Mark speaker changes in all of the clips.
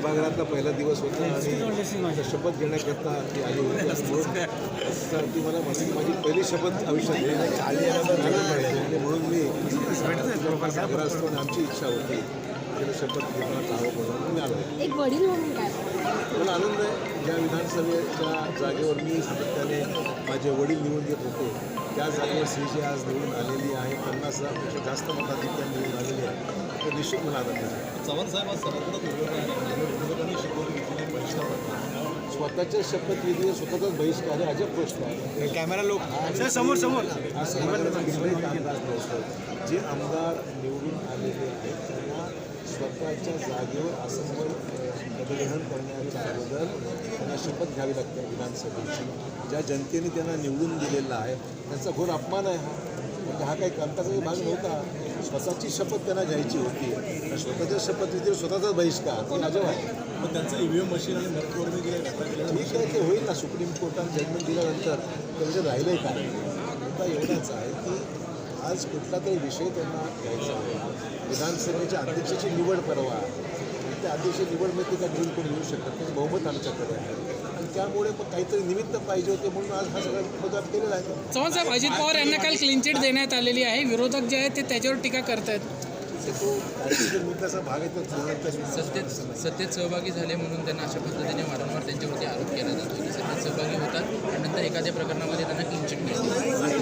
Speaker 1: सभागृहातला पहिला दिवस होता आणि शपथ घेण्याकरता ती आली होती म्हणून ती मला म्हटली की माझी पहिली शपथ आयुष्यात घेण्याची आणि म्हणून मी सभागृहात असतो आणि आमची इच्छा होती त्याला शपथ घेताना जावं म्हणून मी आलो.
Speaker 2: एक वडील म्हणून काय
Speaker 1: मला आनंद आहे ज्या विधानसभेच्या जागेवर मी सातत्याने माझे वडील निवडून येत होते त्या जागेवर श्रीजी आज निवडून आलेली आहे 50,000पेक्षा जास्त मताधिक्य निवडून आलेली आहे तर निश्चित मला आनंद आहे.
Speaker 3: चव्हाण साहेब आज सर्वांनी शिकवून घेतलेली बहिष्कार
Speaker 1: स्वतःच्या शपथविधीवर स्वतःचाच बहिष्कार आहे अजब गोष्ट आहे.
Speaker 3: कॅमेरा लोक समोर समोर
Speaker 1: आज समाजाचा विपरीत अंदाज नव्हतो. जे आमदार निवडून आलेले आहेत त्यांना स्वतःच्या जागेवर असंबल पदग्रहण करण्याच्या अगोदर त्यांना शपथ घ्यावी लागते विधानसभेची. ज्या जनतेने त्यांना निवडून दिलेला आहे त्यांचा घोर अपमान आहे हा. म्हणजे हा काही कामकाजाचा भाग नव्हता. स्वतःची शपथ त्यांना घ्यायची होती. स्वतःच्या शपथविधीवर स्वतःचाच बहिष्कार हे अजब आहे.
Speaker 3: मग त्यांचं ईव्हीएम मशीन आणि मतदार
Speaker 1: ठीक आहे ते होईल ना. सुप्रीम कोर्टाने जजमेंट दिल्यानंतर त्यामध्ये राहिलं काय मुद्दा एवढाच आहे की आज कुठला तरी विषय त्यांना घ्यायचा आहे. विधानसभेच्या अध्यक्षाची निवड परवा त्या अध्यक्ष निवडमध्ये का घेऊन कोणी येऊ शकत नाही. बहुमत आमच्याकडे आहे आणि त्यामुळे मग काहीतरी निमित्त पाहिजे होते म्हणून आज हा सगळा बदल केलेला आहे.
Speaker 4: चव्हाण साहेब, अजित पवार यांना काल क्लीन चिट देण्यात आलेली आहे. विरोधक जे आहेत ते त्याच्यावर टीका करतायत.
Speaker 1: तो राजकीय मुद्द्याचा भाग आहे तो
Speaker 5: सत्तेत सहभागी झाले म्हणून त्यांना अशा पद्धतीने वारंवार त्यांच्यावरती आरोप केला जातो की सत्तेत सहभागी होतात आणि नंतर एखाद्या प्रकरणामध्ये त्यांना क्लीन चिट मिळते.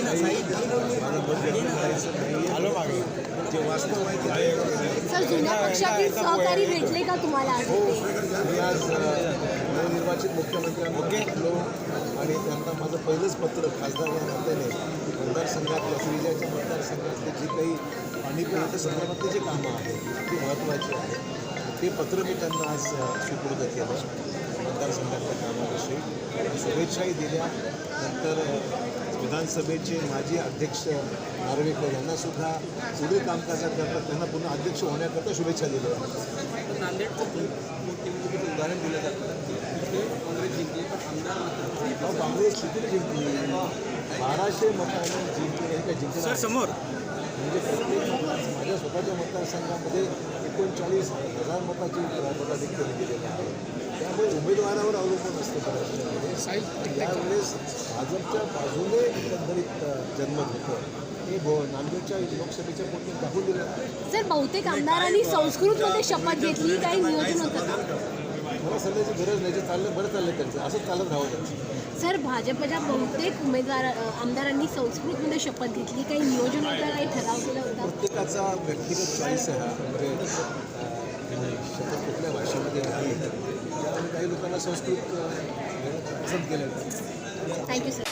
Speaker 1: जे वास्तव आहे ते
Speaker 2: सर जुन्या पक्षातील सहकारी भेटले का तुम्हाला आज
Speaker 1: हो.
Speaker 2: इथे?
Speaker 1: मी आज नवनिर्वाचित मुख्यमंत्र्यांना भेटलो आणि त्यांना माझं पहिलंच पत्र खासदार या नात्याने मतदारसंघातल्या श्रीजाच्या मतदारसंघातले जे काही पाणी पुरवठा संदर्भातले जे कामं आहेत ते महत्त्वाची आहेत ते पत्र मी त्यांना आज सुपूर्द केलं मतदारसंघातल्या कामाविषयी. शुभेच्छाही दिल्या. नंतर विधानसभेचे माजी अध्यक्ष नार्वेकर यांनासुद्धा पुढील कामकाजाकरता त्यांना पुन्हा अध्यक्ष होण्याकरता शुभेच्छा दिल्या.
Speaker 5: नांदेडचं उदाहरण दिलं जातं तिथे काँग्रेस जिंकली पण आमदार
Speaker 1: काँग्रेस किती जिंकली 1200 मतांनी जिंकली हे काय जिंकलं
Speaker 3: समोर
Speaker 1: म्हणजे प्रत्येक माझ्या स्वतःच्या मतदारसंघामध्ये 39,000 मताची मताधिक्य दिलेलं आहे. त्यामुळे उमेदवारावर अवलंबून असते बऱ्याचशामध्ये. यावेळेस भाजपच्या बाजूने एकंदरीत जनमत होतं हे नांदेडच्या लोकसभेच्या पोटी दाखवून दिलं आहे.
Speaker 2: सर बहुतेक आमदारांनी संस्कृतमध्ये शपथ घेतली, काही नियोजन होतं का?
Speaker 1: मला सांगायची गरज नाही. जे चाललं बरं चाललं त्यांचं असंच चालत राहावं त्यांचं.
Speaker 2: सर भाजपच्या बहुतेक आमदारांनी संस्कृतमध्ये शपथ घेतली, काही नियोजन होतं, काही ठराव केला होता?
Speaker 1: प्रत्येकाचा व्यक्तिगत चॉईस आहे हा. म्हणजे शपथ कुठल्या भाषेमध्ये नाही त्यामुळे काही लोकांना संस्कृत पसंत केलं.
Speaker 2: Thank you sir.